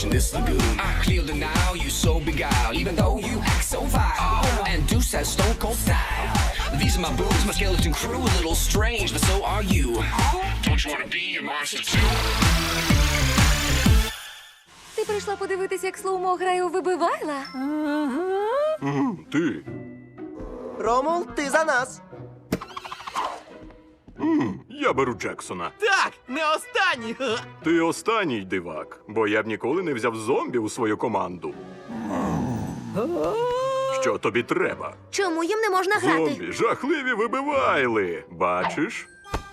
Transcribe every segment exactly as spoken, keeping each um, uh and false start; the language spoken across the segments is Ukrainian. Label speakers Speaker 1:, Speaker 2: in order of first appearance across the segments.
Speaker 1: in this lagoon. I clear the Nile, you so beguiled, even though you act so vile. And Deuce has stone cold style. These are my boobs, my skeleton crew, a little strange, but so are you. Don't you wanna be a monster too?
Speaker 2: Ти прийшла подивитися, як Слоумо грає у Вибивайла?
Speaker 3: Ти.
Speaker 4: Ромул, ти за нас.
Speaker 3: Я беру Джексона.
Speaker 4: Так, не останній.
Speaker 3: Ти останній дивак, бо я б ніколи не взяв зомбі у свою команду. Що тобі треба?
Speaker 2: Чому їм не можна грати?
Speaker 3: Зомбі, жахливі вибивайли. Бачиш?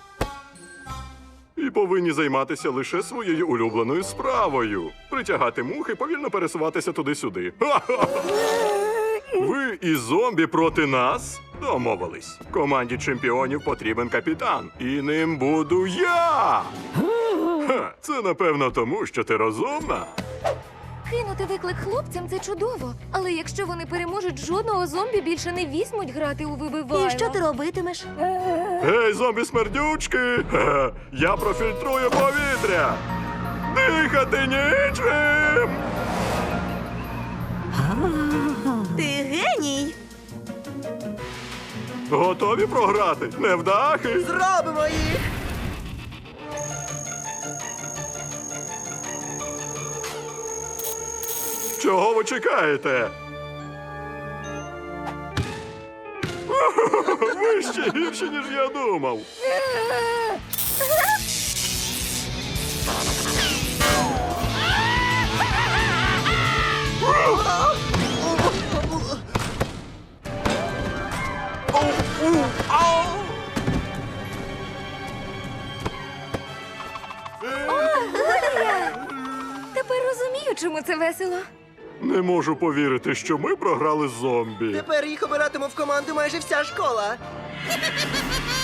Speaker 3: І повинні займатися лише своєю улюбленою справою. Притягати мухи, повільно пересуватися туди-сюди. Ха-ха-ха! Ви і зомбі проти нас? Домовились. Команді чемпіонів потрібен капітан. І ним буду я! Ха, це напевно тому, що ти розумна.
Speaker 2: Кинути виклик хлопцям – це чудово. Але якщо вони переможуть, жодного зомбі більше не візьмуть грати у Вибивайла.
Speaker 5: І що ти робитимеш?
Speaker 3: Гей, зомбі-смердючки! Ха, я профільтрую повітря! Дихати нічим!
Speaker 5: Ти геній!
Speaker 3: Готові програти? Невдахи?
Speaker 4: Зробимо їх.
Speaker 3: Чого ви чекаєте? Ви ще гірші, ніж я думав.
Speaker 2: Тепер розумію, чому це весело.
Speaker 3: Не можу повірити, що ми програли з зомбі.
Speaker 4: Тепер їх обиратиме в команду майже вся школа.